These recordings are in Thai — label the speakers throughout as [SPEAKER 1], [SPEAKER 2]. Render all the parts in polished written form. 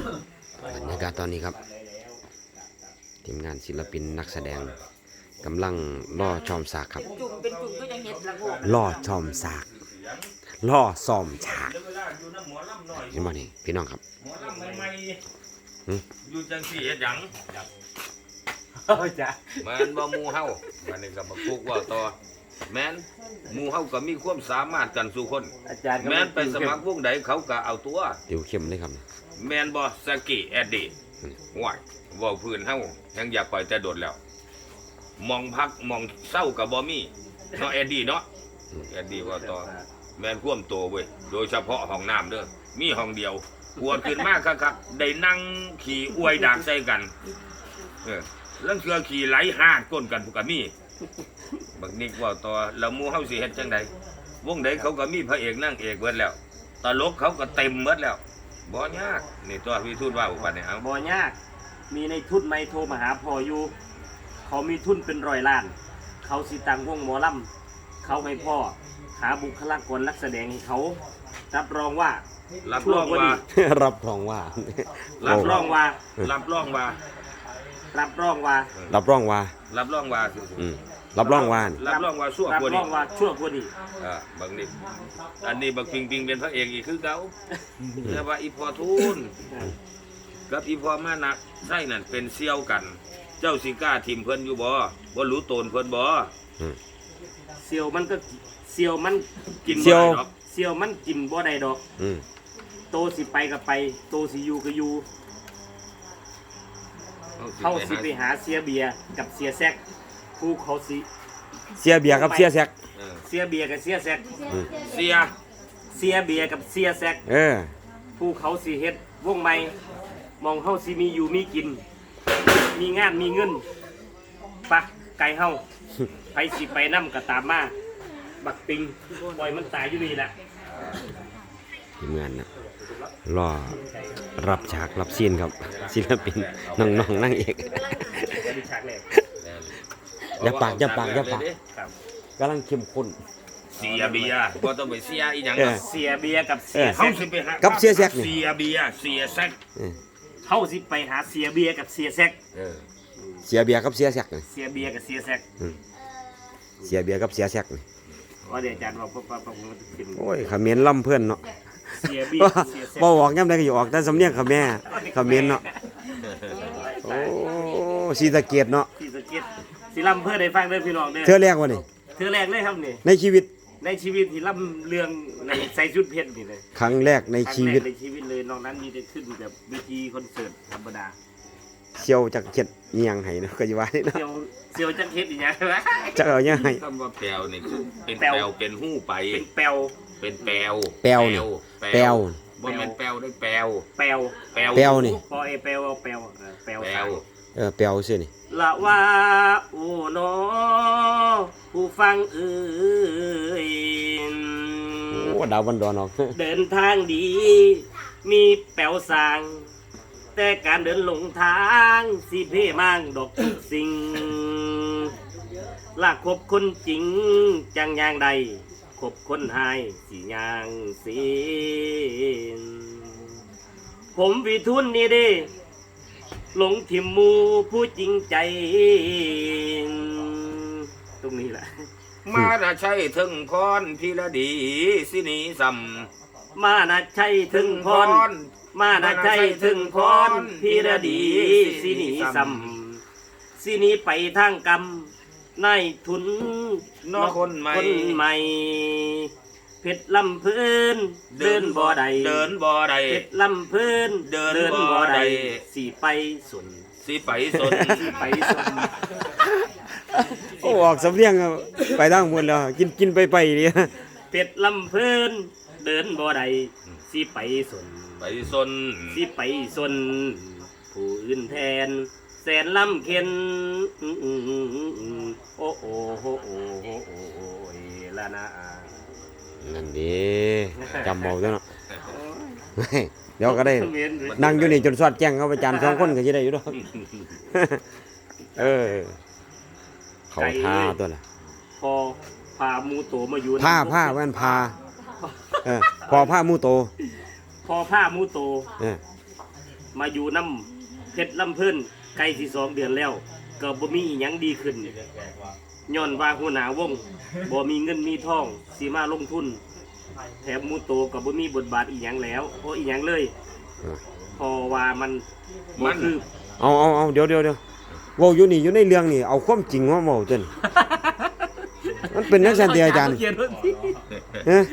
[SPEAKER 1] บรรยากาศตอนนี้ครับทีมงานศิลปินนักแสดงกำลังล่อชอมฉากครับ
[SPEAKER 2] เป็นจุ่มก็ยังเห็ดละโงก
[SPEAKER 1] ล่อชอมฉากล่อซ้อมฉากเห็นบ่นี่พี่น้องครับ
[SPEAKER 3] อยู่จังสี่เฮ็ดหยัง
[SPEAKER 4] จ้ะ
[SPEAKER 3] แม่นบ่หมู่เฮาบัดนี้ก็บ่ทุกว่าต่อแม่นหมู่เฮาก็มีความสามารถกันสู่คนแม่นไปสมัครวงใดเขาก็เอาตัว
[SPEAKER 1] ติวเข้มเลยครับ
[SPEAKER 3] แม่นบ่สกี้แอดดี้ว้ายเว้าพื้นเฮายังอยากปล่อยแต่โดดแล้วมองพักมองเศร้าก็บ่มีเนาะแอดดี้เนาะแอดดี้ว่าต่อแม่นความโตเว้ยโดยเฉพาะห้องน้ำเด้อมีห้องเดียวปวดขึ้นมากครับได้นั่งขี่อวยดากใส่กันเรื่องเชือขี่ไหลหาดก้นกันพวกก็มีบักนิกว่าต่อแล้วหมู่เฮาสิเฮ็ดจังใดวงใดเขาก็มีพระเอกนางเอกเบิดแล้วตลกเขาก็เต็มเบิดแล้วบ่ยากนี่ตัวพี่ทูตว่าอุปนิเอา
[SPEAKER 4] บ่ยากมีในทุนไม่โทรมาหาพ่ออยู่เขามีทุนเป็น100 ล้านเขาสิตังวงหมอลำเขาให้พ่อหาบุคลากรนักแสดงให้เขารับรองว่า
[SPEAKER 3] รับรองว่า
[SPEAKER 1] รับรองว่า
[SPEAKER 4] รับรองว่า
[SPEAKER 3] รับรองว่า
[SPEAKER 4] รับรองว่า
[SPEAKER 1] รับรองว่า
[SPEAKER 3] รับรองว่า
[SPEAKER 1] รับรองว่า
[SPEAKER 3] รับรองว่าชั่วกว่านี้
[SPEAKER 4] รับรองว่าชั่วกว่านี้
[SPEAKER 3] บางนี่อันนี้บักปิงปิงเป็นพระเอกอีกคือเก่าแต่ว่าอีพอทุนกับอีพอมานะใช่นั่นเป็นเซี่ยวกันเจ้าสิก้าทีมเพิ่นอยู่บ่รู้โตนเพิ่นบ่
[SPEAKER 4] เซียวมันก็เซียวมัน
[SPEAKER 3] กินบ่ได้ดอก
[SPEAKER 4] เซียวมันกินบ่ได้ดอกโตสิไปก็ไปโตสิอยู่ก็อยู่เขาสิไปหาเสียเบียกับเสียแซกผู้เขาสิ
[SPEAKER 1] เสียเบียกับเสียแซก
[SPEAKER 4] เสียเบียกับเสียแซก
[SPEAKER 3] เสี
[SPEAKER 4] ยเบียกับเสียแซกผู้เขาสิเฮ็ดวงใหม่มองเฮาสิมีอยู่มีกินมีงานมีเงินปะไก่เฮาไปสิไปนำก็ตามมาบักปิงปล่อยมันตายอยู่นี่แหละ
[SPEAKER 1] ทีมงานนะรอรับฉากรับซีนครับศิลปินน้องๆนั่งเอกอย่าปากกำลังเข้มข้น
[SPEAKER 3] เสียเบียบ่ต้องไปเสียอีหยัง
[SPEAKER 4] เสียเบียกับเสีย
[SPEAKER 3] เฮาสิไปหา
[SPEAKER 1] กับเสียแซก
[SPEAKER 3] เสียเบียเสียแซก
[SPEAKER 4] เฮาสิไปหาเสียเบียกับเสียแซก
[SPEAKER 1] เสียเบียกับเสียแซก
[SPEAKER 4] เสียเบียกับเสียแซก
[SPEAKER 1] เสียเบียกับเสียแซก
[SPEAKER 4] ว่าเดี๋ยวอาจารย์บอก
[SPEAKER 1] โอ้ยเขมรล่ำเพื่อนเนาะบ่ออกย่ำใดก็อยู่ออกแต่สำเนียงเขมรเนาะโอ้ศรีสะเกษเนาะ
[SPEAKER 4] ศรีสะเกษสิล่ำเพื่อได้ฟังเด้อพี่น้องเด้อ
[SPEAKER 1] เธอแรกวะนี่
[SPEAKER 4] เธอแรกเลยครับนี่
[SPEAKER 1] ในชีวิต
[SPEAKER 4] ที่ล่ำเรื่องในใส่ชุดเพชรนี่เลย
[SPEAKER 1] ครั้งแรกในชีวิต
[SPEAKER 4] เลยนอกนั้นมีแต่ขึ้นแบบวิธีคอนเสิร์ตธรรมดา
[SPEAKER 1] เซียวจักเข็ดเงียงไห้เนาะก็อยู่ว่านี่เนาะ
[SPEAKER 4] เซียวจักเข็ดอย่างเงี้ย
[SPEAKER 1] จักเอาเงียงไห้
[SPEAKER 3] คำว่าแปลวนี่เป็นแปลวเป็นหู้ไป
[SPEAKER 4] เป็นแปลว
[SPEAKER 1] นี่แปลว
[SPEAKER 3] บ่แม่นแปลวได้แปลว
[SPEAKER 1] นี่
[SPEAKER 4] พอแปลวแปลว
[SPEAKER 1] แปลวซื่อนี่
[SPEAKER 4] ละว่าโอ้นอผู้ฟังเอ่ย
[SPEAKER 1] โอ้ดาวบันดอนออก
[SPEAKER 4] เดินทางดีมีแปลวสางแต่การเดินหลงทางสิเพ่มั่งดอกทุกสิ่งลากคบคนจริงจังอย่างใดคบคนหายสิย่างสินผมวิทุนนี่เด้หลงทิมมูผู้จริงใจตรงนี้แหละ
[SPEAKER 3] มาน่ะใช่ถึงพรพิรดีสินีสัม
[SPEAKER 4] มาน่ะใช่ถึงพรมาน่ะใช่ถึงพรพิรดีสินีสัมสินีไปทางกรรมนายทุน
[SPEAKER 3] นอคนใหม่
[SPEAKER 4] เพชรลำพื้นเดินบ่อใดเพชรลำพื้นเดินบ่อใดสีไปสุน
[SPEAKER 1] โอ้ออกสำเนียงไปทางหมดแล้วกินไปเนี่ย
[SPEAKER 4] เพชรลำพื้นเดินบ่อใดสีไปสุนสีไปสุนผู้อื่นแทนแสนลำเข็นโอ้ละนะ
[SPEAKER 1] นั่นดีจำเบาด้วยเนาะเดี๋ยวก็ได้นั่งอยู่นี่จนสอดแจ้งเขาไปจาน2 คนก็จะได้อยู่ด้วยเขาท่าตัวน่ะ
[SPEAKER 4] พอพามูโตมาอยู่
[SPEAKER 1] ผ้าแว่นพาพอผ้ามูโต
[SPEAKER 4] พอผ้ามูโตมาอยู่น้ำเพชรลำเพิ่นไกลสิ2 เดือนแล้วก็บ่มีอิหยังดีขึ้นย้อนว่าหัวหน้าวงบ่มีเงินมีทองสิมาลงทุนแถมหมูโตก็บ่มีบทบาทอีหยังแล้วโอ้อีหยังเลยเพอว่ามันบ่คือ
[SPEAKER 1] เอาเดี๋ยวเว้าอยู่นี่อยู่ในเรื่องนี่เอาความจริงมาเว้าจนมันเป็นจังซั่นติอาจารย์
[SPEAKER 4] เขียนว่าสิ
[SPEAKER 1] ฮะ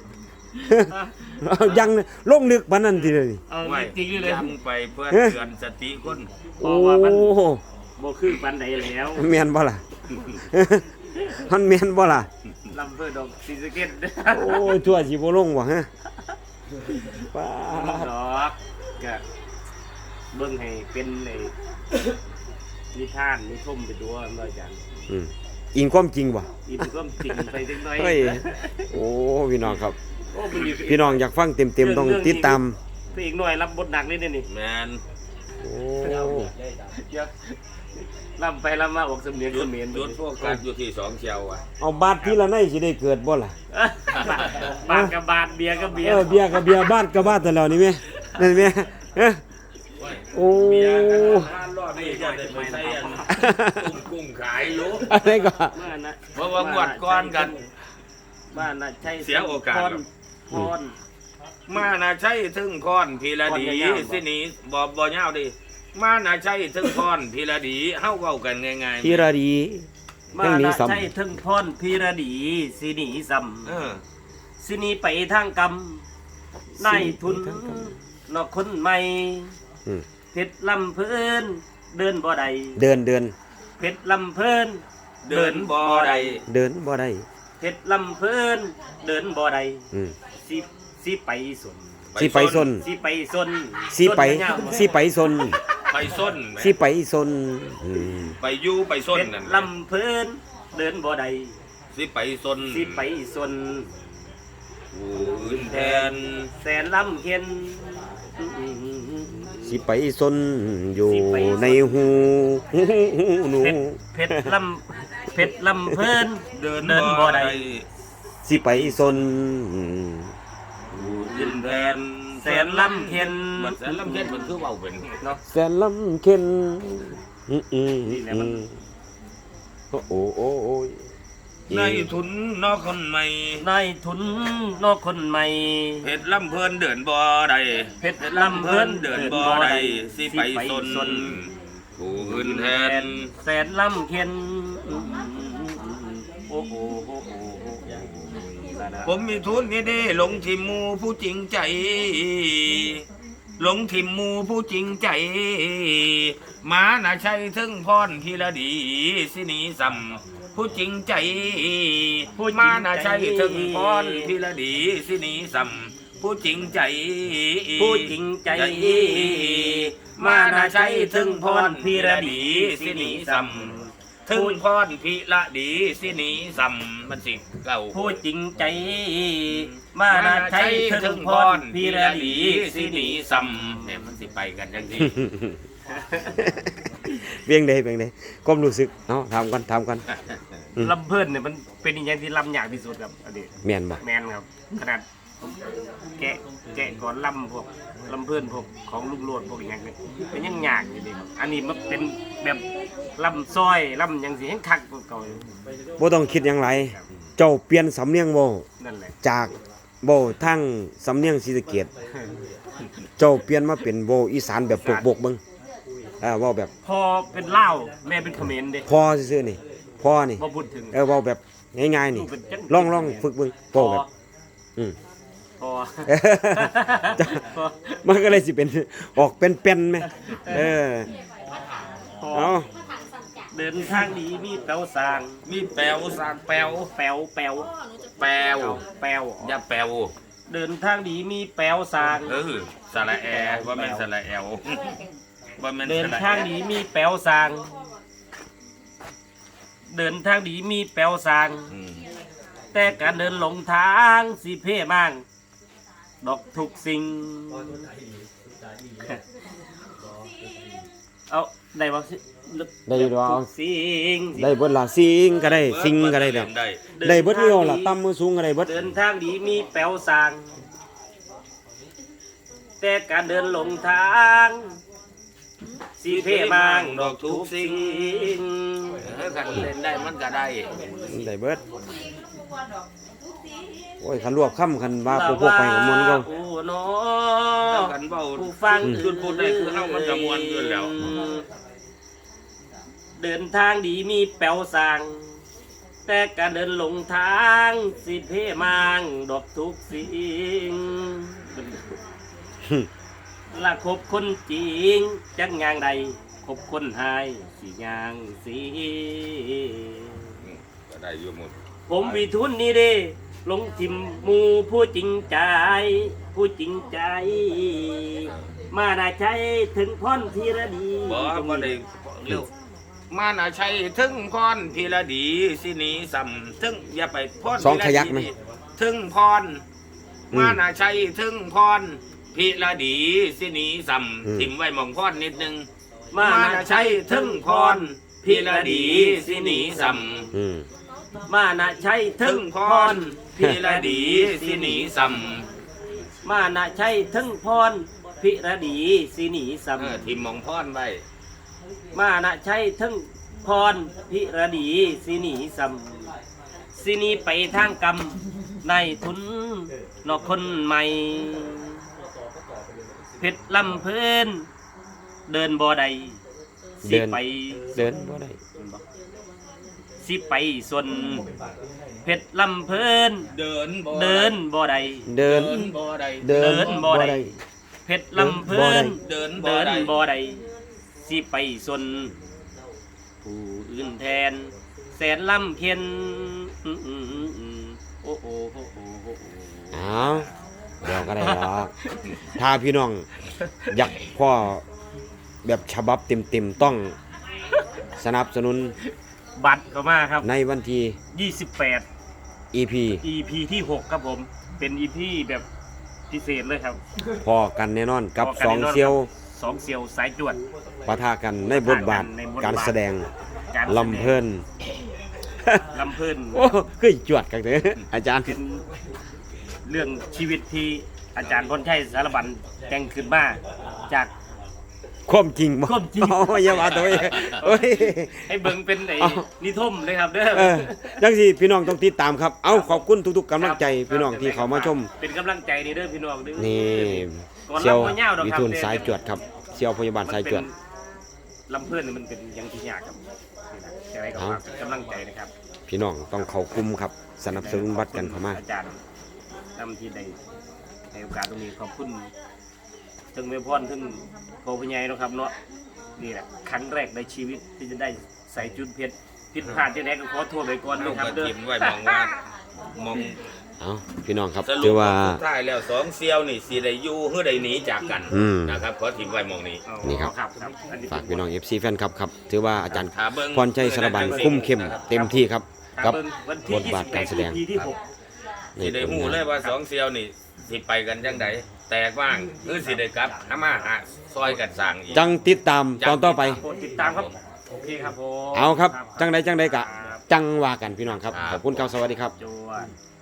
[SPEAKER 1] ยังลงลึกปานนั้นติเลยนี่
[SPEAKER 4] เอา
[SPEAKER 3] ไว้
[SPEAKER 4] จริงๆเลย
[SPEAKER 3] ยังไปเพื่อเตือนสติคน
[SPEAKER 4] เพราะว่ามันบ่คือปานใดแล้ว
[SPEAKER 1] แม่นบ่ล่ะ มันแม่นบ่ล่ะ
[SPEAKER 4] ลำเพิ่นดอกศรีสะเกษ
[SPEAKER 1] โอ้ยทั่วสิบ่ลงบ่ฮะป้า
[SPEAKER 4] ดอกก็เบิ่งให้เป็นไอ้นิทานนิทมไปด้วยเมื่ออาจารย์
[SPEAKER 1] อิงความจริงบ่
[SPEAKER 4] อีกก็จริงไปจังน้อย
[SPEAKER 1] เฮ้ยโอ้พี่น้องครับ
[SPEAKER 4] โอ้มันมี
[SPEAKER 1] พี่น้องอยากฟังเต็มๆต้องติดตาม
[SPEAKER 4] พระเอกหน่อยรับบทหนักนิดนี่
[SPEAKER 3] แมน
[SPEAKER 1] โอ้
[SPEAKER 4] เดี๋ยวลำไปลำมาออกสำเนียง
[SPEAKER 3] หยุ
[SPEAKER 4] เข
[SPEAKER 3] ด
[SPEAKER 4] มร
[SPEAKER 3] หยุดพวกกันอยู่ที่2เชียวอ่ะ
[SPEAKER 1] เอาบาทที่ละในสิได้เกิดบ่ล่ะ
[SPEAKER 4] บาทกับบาทเบียร์กับเบียร์
[SPEAKER 1] เบียร์กับเบียร์บ้านกับบ้านแต่แล้วนี่แม่นั่นแม่เอ้อโอ้
[SPEAKER 3] นี่จะได้ไปใส่กุ้งขายอยู่
[SPEAKER 1] อะไรก็
[SPEAKER 4] บ้านนะ
[SPEAKER 3] เพราะว่างวดก้อนกัน
[SPEAKER 4] บ้านนะใช่
[SPEAKER 3] เสียโอกาส
[SPEAKER 4] พร
[SPEAKER 3] มาน่ะใช่ถึงพรพีระดีสิหนีบ่ยาวดิมาน่ะใช่ถึงพรพีระดีเฮาเว้ากันง่ายๆ
[SPEAKER 1] ธีรดี
[SPEAKER 4] มา
[SPEAKER 1] เรื่องนี้
[SPEAKER 4] นะ
[SPEAKER 1] ซ้ำ
[SPEAKER 4] ใช่ถึงพรพีระดีสิหนีซ้
[SPEAKER 3] เออ
[SPEAKER 4] ำสิหนีไปทางกรรมนายทุนนอกคนใหม่
[SPEAKER 1] อืม
[SPEAKER 4] เพชรลำเพิ่นเดินบ่ได้
[SPEAKER 1] เดิน
[SPEAKER 4] เพชรลำเพิ่น
[SPEAKER 3] เดินบ่ได้
[SPEAKER 1] เดินบ่ได้
[SPEAKER 4] เพชรลำเพิ่นเดินบ่ได้
[SPEAKER 1] อืม
[SPEAKER 4] สิไปสน
[SPEAKER 1] สิไปซน
[SPEAKER 4] สิไปสน
[SPEAKER 1] สิไป
[SPEAKER 4] สนยาวๆ
[SPEAKER 1] สิไปซน
[SPEAKER 3] ไปส้นแหม
[SPEAKER 1] สิไปซนอืม
[SPEAKER 3] ไปอยู่ไปส้น
[SPEAKER 4] เพชร
[SPEAKER 3] นั่น
[SPEAKER 4] ลำเพิ่นเดินบ่ได้
[SPEAKER 3] สิไปส้น
[SPEAKER 4] สิไปสน
[SPEAKER 3] ผู้อื่นแทน
[SPEAKER 4] แสนลำเข็น
[SPEAKER 1] สิไปซนอยู่
[SPEAKER 4] สิไปซน
[SPEAKER 1] ในหูหนู
[SPEAKER 4] เพชรลำเพิ่น
[SPEAKER 3] เดิน
[SPEAKER 4] บ่ได้
[SPEAKER 1] สิไปซน
[SPEAKER 3] ผู้อื่นแทน
[SPEAKER 4] แสนลำเข็น
[SPEAKER 3] มันแสนลำเข็นมันคือเว้าเป็น
[SPEAKER 4] เนาะ
[SPEAKER 1] แสนลำเข็น
[SPEAKER 4] นี่แหละมัน
[SPEAKER 1] โอ้โอ้ย
[SPEAKER 3] ในทุนนอกคนใหม่
[SPEAKER 4] นายทุนนอกคนใหม่
[SPEAKER 3] เพชรลำเพิ่นเดินบ่ได้
[SPEAKER 4] เพชรลำเพิ่น
[SPEAKER 3] เดินบ่ได้สิไปซนผู้อื่นแทน
[SPEAKER 4] แสนลำเข็นโอ้โห
[SPEAKER 3] ผมมีทุนนี่เด้หลงทิมหมูผู้จริงใจ หลงทิมหมูผู้จริงใจมาน่ะใช่ถึงพรพีระดีสิหนีซ้ำผู้จริงใจมาน่ะใช่ถึงพรพีระดีสิหนีซ้ำผู้จริงใจ
[SPEAKER 4] ผู้จริงใจ มานาใช้ถึงพรพีระดีสิหนีซ้ำ
[SPEAKER 3] ถึงพรพีระดีสิหนีซ้ำมันสิเก่า
[SPEAKER 4] ผู้จริงใจ มานาใช้ถึงพรพีระดีสิหนีซ้ำ
[SPEAKER 3] เนี่ยมันสิไปกันจังซี่
[SPEAKER 1] เบียงใดความรู้สึกเนาะถามกัน
[SPEAKER 4] ลำเพิ่นเนี่ยมันเป็นอย่างที่ลำยากที่สุดครับอดีต
[SPEAKER 1] แม่นบ่
[SPEAKER 4] แมนครับขนาดแกะก่อนลำพวกลำเพิ่นพวกของลูกโลดพวกอย่างนี้เป็นยังยากอยู่ดีครับอันนี้มันเป็นแบบลำซอยลำอย่างสิให้คักกว่าเก่าอยู่
[SPEAKER 1] บ่ต้องคิดหยังไรเจ้าเปลี่ยนสำเนียงเว้า
[SPEAKER 4] นั่นแหละ
[SPEAKER 1] จากเว้าทางสำเนียงศรีสะเกษเจ้าเปลี่ยนมาเป็นเว้าอีสานแบบปกๆเบิ่งเว้าแบบ
[SPEAKER 4] พอเป็นเล่าวแม่เป็นเขมรเด้
[SPEAKER 1] พอซื่อๆนี่พอนี่
[SPEAKER 4] บ่พูดถึง
[SPEAKER 1] เว้าแบบง่ายๆนี่
[SPEAKER 4] เป็นจัง
[SPEAKER 1] ลองฝึกเบิ่งเว้าแบบอืม
[SPEAKER 4] พอ
[SPEAKER 1] จะมันก็เลยสิเป็นออกเป็นเป็นไหม
[SPEAKER 4] พอ
[SPEAKER 1] เอา
[SPEAKER 4] เดินทางดีมีแปลวสร้าง
[SPEAKER 3] มีแปลวสร้างแปลว
[SPEAKER 4] แปลว
[SPEAKER 3] แปลว อย่าแปลว
[SPEAKER 4] เดินทางดีมีแปลวสร้าง
[SPEAKER 3] สระแอว่าแม่นสระแอลว่าแม่น
[SPEAKER 4] เดิน
[SPEAKER 3] สระ
[SPEAKER 4] ทางดีมีแปลวสร้าง เดินทางดีมีแปลวสร้าง
[SPEAKER 3] อืม
[SPEAKER 4] แต่การเดินหลงทางสิเพ่มั่งดอกทุกสิ่งเอาได้บ่สิ
[SPEAKER 1] ได้อยู่ดอก
[SPEAKER 4] ทุกสิ่ง
[SPEAKER 1] ได้เบิดล่ะซิงก็ได้ซิงก็ได้ดอก
[SPEAKER 3] ได้
[SPEAKER 1] ได้เบิดเดียวล่ะต่ำมือสูงก็ได้เบิด
[SPEAKER 4] เดินทางดีมีแปลวสร้างแต่การเดินหลงทางสิเพมังดอกทุกสิ่ง
[SPEAKER 3] คันเล่นได้มันก็ได้
[SPEAKER 1] ได้เบิดโอ้ยคันรวบค่ำคันว่าพวกไปกับมวลก็
[SPEAKER 4] โอ้เนาะ
[SPEAKER 3] กันเว้า
[SPEAKER 4] ผู้ฟัง
[SPEAKER 3] จุดพูดได้คือเฮามันก็ม่วนอยู่แล้ว
[SPEAKER 4] เดินทางดีมีแป๋วสร้าง แต่การเดินหลงทางสิเพมังดอกทุกสิ่งละคบคนจริงจักงางใดคบคนหายสิยางสิ
[SPEAKER 3] ก็ได้อยู่หมด
[SPEAKER 4] ผมวิทุนนี่เด้ลงทิมหมูผู้จริงใจ ผู้จริงใจ มาได้ใช้ถึงพ้นทีระดี
[SPEAKER 3] บ่ได้เร็วมาน่ะใช้ถึงพรพีละดีสิหนีซ้ำถึงอย่าไปพร
[SPEAKER 1] สองขยักไหม
[SPEAKER 3] ถึงพรมาน่ะใช้ถึงพรพีละดีสิหนีซ้ำถิ่มไว้หมองพรนิดนึง มาน่ะใช้ถึงพรพีละดีสิหนีซ้ำ
[SPEAKER 1] อืม
[SPEAKER 4] มานะใช้ถึ
[SPEAKER 3] ถึ
[SPEAKER 4] ง
[SPEAKER 3] ง
[SPEAKER 4] พ
[SPEAKER 3] พ
[SPEAKER 4] ร
[SPEAKER 3] รพิรดีสิหนีซ้
[SPEAKER 4] มานะใช้ถึงพรพิรดีสิหนีสัม
[SPEAKER 3] ำทิมมองพรไว้
[SPEAKER 4] มานะใช้ถึงพรพิรดีสิหนีสัมสิหนีไปทางกรรมในทุนนอกคนใหม่เพชรลำเพลินเดินบ่ใดสิไป
[SPEAKER 1] เดินบ่ได้
[SPEAKER 4] สิไปส่วนเพชรลำเพลิน
[SPEAKER 3] เดินบ่
[SPEAKER 4] เดินบ่ใด
[SPEAKER 1] เดิน
[SPEAKER 3] บ่ได้
[SPEAKER 1] เดินบ่ได้
[SPEAKER 4] เพชรลำเพลิน
[SPEAKER 3] เดินบ่
[SPEAKER 4] เดิน
[SPEAKER 3] ได้
[SPEAKER 4] บ่ใดสิไปส่วนผู้อื่นแทน แสนลำเพียนโอ้โอ้โอ้โอ้โอ้
[SPEAKER 1] อ้าวเดี๋ยวก็ได้หรอกถ้าพี่น้องอยากพ่อแบบฉบับเต็มๆต้องสนับสนุน
[SPEAKER 4] บัตรเข้ามาครับ
[SPEAKER 1] ในวันที่
[SPEAKER 4] 28
[SPEAKER 1] EP
[SPEAKER 4] EP ที่ 6 ครับผม เป็น EP แบบพิเศษเลยครับ
[SPEAKER 1] พอกันแน่นอนกับ
[SPEAKER 4] พกัน
[SPEAKER 1] สอง
[SPEAKER 4] แน่นน
[SPEAKER 1] เซียว
[SPEAKER 4] สองเซียวสายจวด
[SPEAKER 1] ปะทะกันในบทบาท
[SPEAKER 4] ในบทบาท
[SPEAKER 1] การแสดง
[SPEAKER 4] การแสดง
[SPEAKER 1] ลำเพิ่น
[SPEAKER 4] ลำเพลิน
[SPEAKER 1] โอ้คือจวดกันเถอะอาจารย์
[SPEAKER 4] เป็นเรื่องชีวิตที่อาจารย์พรชัยสารบัญแต่งขึ้นมาจาก
[SPEAKER 1] ความจริงบ่
[SPEAKER 4] ความจริง
[SPEAKER 1] โอ้ยอย่าว่าตัวเองโอ้ย
[SPEAKER 4] ให้เบิ่งเป็นไอ้
[SPEAKER 1] เอา
[SPEAKER 4] นิทมเลยครับเด้อ
[SPEAKER 1] เออจังสิพี่น้องต้องติดตามครับ เอาขอบคุณทุกๆกำลังใจพี่น้องที่เขามาชม
[SPEAKER 4] เป็นกำลังใจนี่เด้อพี่น้องเด้อ
[SPEAKER 1] นี่
[SPEAKER 4] ก่อน
[SPEAKER 1] เซียว
[SPEAKER 4] ลำบ่ยาวดอก
[SPEAKER 1] วิ
[SPEAKER 4] ครับ
[SPEAKER 1] ทูลสายจวดครับเซียวพยาบาลสายจวด
[SPEAKER 4] ลำเพื่อนนี่มันเป็นอยังที่ยากครับนี่นะแต่ไรก็
[SPEAKER 1] เอา
[SPEAKER 4] ฝากเป็นกำลังใจนะครับ
[SPEAKER 1] พี่น้องต้องเข้ากลุ่มครับ สนับสนุนบัตรกันเข้ามา
[SPEAKER 4] อาจารย์นำที่ใดในโอกาสตรงนี้ขอบคุณถึงแม่พรถึงโพพญายเนาะครับเนาะนี่แหละครั้งแรกในชีวิตที่จะได้ใส่จุดเพชรผิดพลาดที่ไหนก็ขอโทษไปก่อน
[SPEAKER 3] ลู
[SPEAKER 4] นะ
[SPEAKER 3] ก
[SPEAKER 4] ครับ
[SPEAKER 3] ก็
[SPEAKER 4] เด้อ
[SPEAKER 3] ทิมไว้มองว่ามอง
[SPEAKER 1] เอาพี่น้องครับ
[SPEAKER 3] สรุ
[SPEAKER 1] ถื
[SPEAKER 3] ป
[SPEAKER 1] อว่า
[SPEAKER 3] สุดท้ายแล้วสองเซียวนี่สิได้อยู่หรือได้หนีจากกัน
[SPEAKER 1] อืม
[SPEAKER 3] นะครับขอทิมไว้มองนี้
[SPEAKER 4] อ๋อ
[SPEAKER 1] นี่ครับ
[SPEAKER 4] ครับอันนี้
[SPEAKER 1] ฝากพี่น้อง FC แฟนคลับครับถือว่าอาจารย์
[SPEAKER 3] ถ้าเบิ่ง
[SPEAKER 1] พรชัยสารบัญคุ้มเข้มเต็มที่ครับ กับ
[SPEAKER 4] วัน
[SPEAKER 1] บทบาทการแสดง
[SPEAKER 4] ที่ที่หก
[SPEAKER 3] สิได้หูเลยว่าสองเซียวนี่สิไปกันจังไดแตกบ้างหรือสิได้กลับหามาหาซอยกันสร้างอีก
[SPEAKER 1] จังติดตามตอนต่อไป
[SPEAKER 4] โปรดติดตามครับโอเคครับผม
[SPEAKER 1] เอาครับจังใดกะ
[SPEAKER 4] ครับ
[SPEAKER 1] จังว่ากันพี่น้องครับ ขอบคุณครับสวัสดีครับ
[SPEAKER 4] จวน